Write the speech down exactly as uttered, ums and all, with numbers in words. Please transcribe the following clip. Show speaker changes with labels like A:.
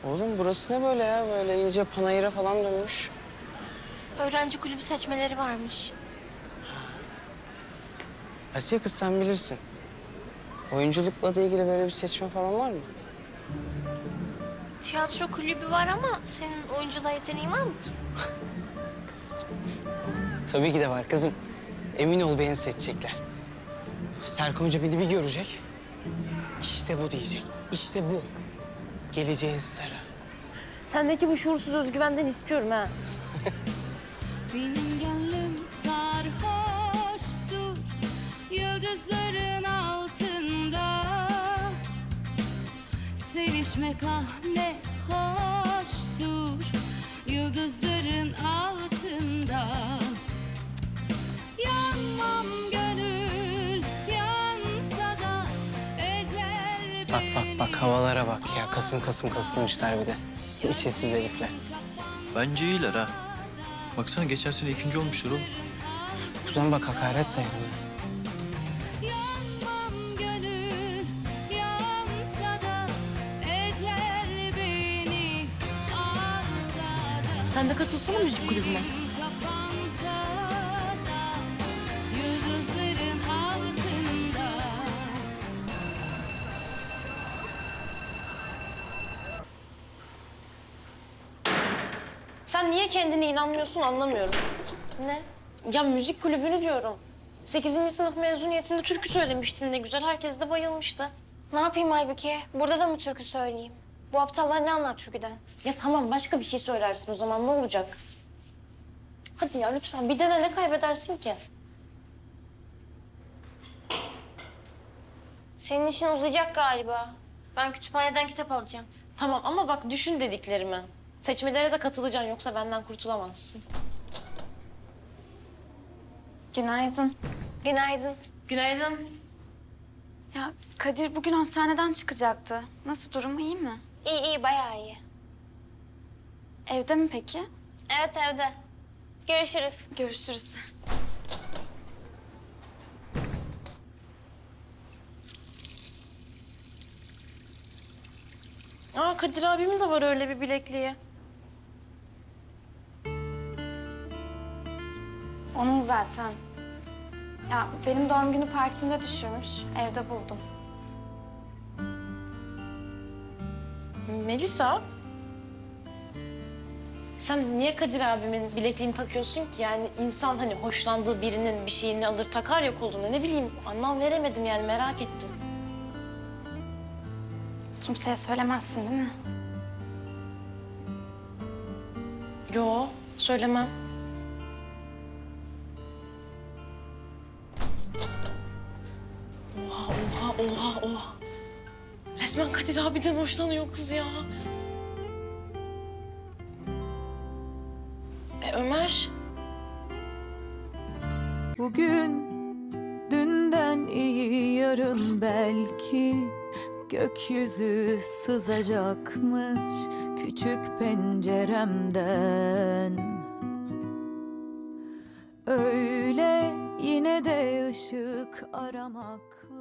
A: Oğlum burası ne böyle ya? Böyle iyice panayıra falan dönmüş.
B: Öğrenci kulübü seçmeleri varmış.
A: Asiye kız sen bilirsin. Oyunculukla da ilgili böyle bir seçme falan var mı?
B: Tiyatro kulübü var ama senin oyunculuğa yeteneğin var mı ki?
A: Tabii ki de var kızım. Emin ol beni seçecekler. Serkan Hoca beni bir görecek. İşte bu diyecek. İşte bu. Geleceğin starı.
C: Sendeki bu şuursuz özgüvenden istiyorum ha.
D: Benim gönlüm sarhoştur yıldızların altında. Sevişmek ah ne hoştur yıldızların altında. Yanmam gönül yansa da ecel.
A: Bak bak bak havalara bak ya. Kasım kasım kasılmışlar bir de. İşsiz herifler.
E: Bence iyiler ha. Baksana geçen sene ikinci olmuşlar oğlum.
A: Kuzen bak hakaret sayılır.
D: Yanmam gönül yansa da ecel beni alsa da.
C: Sen de katılsana müzik kulübüne.
D: Kapansa da yıldızların altında.
C: Sen niye kendine inanmıyorsun anlamıyorum.
B: Ne?
C: Ya müzik kulübünü diyorum. Sekizinci sınıf mezuniyetinde türkü söylemiştin ne güzel. Herkes de bayılmıştı.
B: Ne yapayım Aybüke? Burada da mı türkü söyleyeyim? Bu aptallar ne anlar türküden?
C: Ya tamam başka bir şey söylersin o zaman ne olacak? Hadi ya lütfen bir dene ne kaybedersin ki?
B: Senin işin uzayacak galiba. Ben kütüphaneden kitap alacağım.
C: Tamam ama bak düşün dediklerimi. Seçmelere de katılacaksın yoksa benden kurtulamazsın.
F: Günaydın.
B: Günaydın.
C: Günaydın.
F: Ya Kadir bugün hastaneden çıkacaktı. Nasıl, durumu iyi mi?
B: İyi iyi bayağı iyi.
F: Evde mi peki?
B: Evet evde. Görüşürüz.
F: Görüşürüz.
C: Aa Kadir abimin de var öyle bir bilekliği.
F: Onun zaten. Ya benim doğum günü partimde düşürmüş. Evde buldum.
C: Melisa. Sen niye Kadir abimin bilekliğini takıyorsun ki? Yani insan hani hoşlandığı birinin bir şeyini alır takar ya koluna. Ne bileyim anlam veremedim yani merak ettim.
F: Kimseye söylemezsin değil mi?
C: Yo söylemem. Oha oha oha oha. Resmen Kadir abiden hoşlanıyor kız ya. E Ömer?
G: Bugün dünden iyi yarın belki gökyüzü sızacakmış küçük penceremden. Öyle yine de ışık aramak